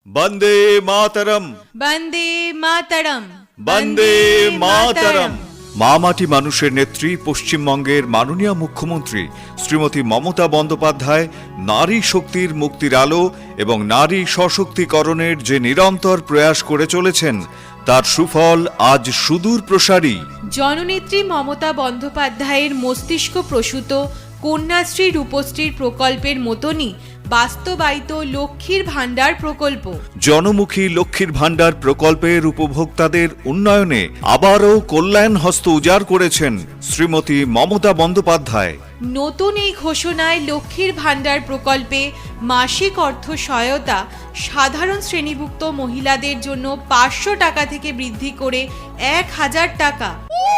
বন্দে মাতরম, বন্দে মাতরম, বন্দে মাতরম। মা মাটি মানুষের নেত্রী পশ্চিমবঙ্গের মাননীয় মুখ্যমন্ত্রী শ্রীমতী মমতা বন্দ্যোপাধ্যায় নারী শক্তির মুক্তির আলো এবং নারী সশক্তিকরণের যে নিরন্তর প্রয়াস করে চলেছেন তার সুফল আজ সুদূর প্রসারী। জননেত্রী মমতা বন্দ্যোপাধ্যায়ের মস্তিষ্ক প্রসূত কন্যাশ্রী রূপশ্রীর প্রকল্পের মতনই বাস্তবায়িত লক্ষ্মীর ভাণ্ডার প্রকল্প। জনমুখী লক্ষ্মীর ভাণ্ডার প্রকল্পের উপভোক্তাদের উন্নয়নে আবারও কল্যাণ হস্ত উজাড় করেছেন শ্রীমতী মমতা বন্দ্যোপাধ্যায়। নতুন এই ঘোষণায় লক্ষ্মীর ভাণ্ডার প্রকল্পে মাসিক অর্থ সহায়তা সাধারণ শ্রেণীভুক্ত মহিলাদের জন্য 500 টাকা থেকে বৃদ্ধি করে 1000 টাকা।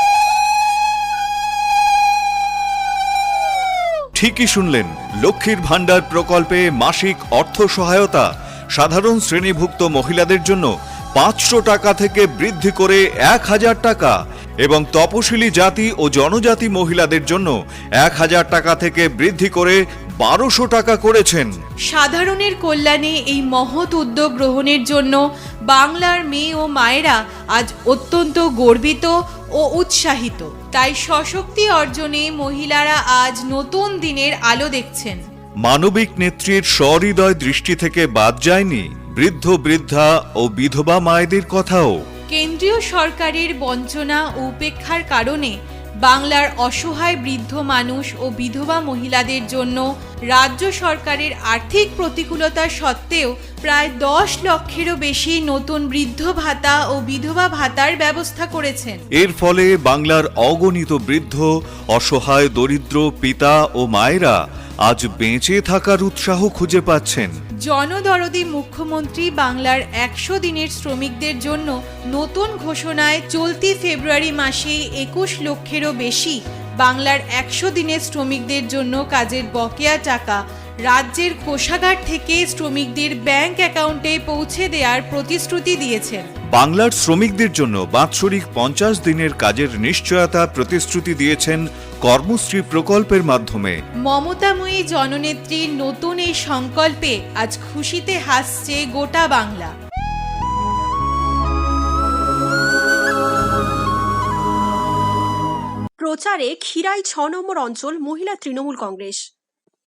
ঠিকই শুনলেন, লক্ষ্মীর ভাণ্ডার প্রকল্পে মাসিক অর্থ সহায়তা সাধারণ শ্রেণীভুক্ত মহিলাদের জন্য 500 টাকা থেকে বৃদ্ধি করে 1000 টাকা এবং তপশিলি জাতি ও জনজাতি মহিলাদের জন্য 1000 টাকা থেকে বৃদ্ধি করে 1200 টাকা করেছেন। সাধারণের কল্যাণে এই মহৎ উদ্যোগ গ্রহণের জন্য বাংলার মেয়ে ও মায়েরা আজ অত্যন্ত গর্বিত ও উৎসাহিত। তাই সশক্তি অর্জনে মহিলারা আজ নতুন দিনের আলো দেখছেন। মানবিক নেত্রীর সহৃদয় দৃষ্টি থেকে বাদ যায়নি বৃদ্ধ বৃদ্ধা ও বিধবা মায়েদের কথাও। কেন্দ্রীয় সরকারের বঞ্চনা ও উপেক্ষার কারণে বাংলার অসহায় বৃদ্ধ মানুষ ও বিধবা মহিলাদের জন্য রাজ্য সরকারের আর্থিক প্রতিকূলতা সত্ত্বেও প্রায় 10 লক্ষেরও বেশি নতুন বৃদ্ধ ভাতা ও বিধবা ভাতার ব্যবস্থা করেছেন। এর ফলে বাংলার অগণিত বৃদ্ধ অসহায় দরিদ্র পিতা ও মায়েরা আজ বেঁচে থাকার উৎসাহ খুঁজে পাচ্ছেন। জনদরদি মুখ্যমন্ত্রী বাংলার 100 দিনের শ্রমিকদের জন্য নতুন ঘোষণায় চলতি ফেব্রুয়ারি মাসে 21 লক্ষেরও বেশি বাংলার 100 দিনের শ্রমিকদের জন্য কাজের বকেয়া টাকা রাজ্যের কোষাগার থেকে শ্রমিকদের ব্যাংক অ্যাকাউন্টে পৌঁছে দেওয়ার প্রতিশ্রুতি দিয়েছেন। বাংলার শ্রমিকদের জন্য বাৎসরিক 50 দিনের কাজের নিশ্চয়তা প্রতিশ্রুতি দিয়েছেন কর্মশ্রী প্রকল্পের মাধ্যমে। মমতাময়ী জননেত্রীর নতুন এই সংকল্পে আজ খুশিতে হাসছে গোটা বাংলা। প্রচারে খিরাই 6 নম্বর অঞ্চল মহিলা তৃণমূল কংগ্রেস।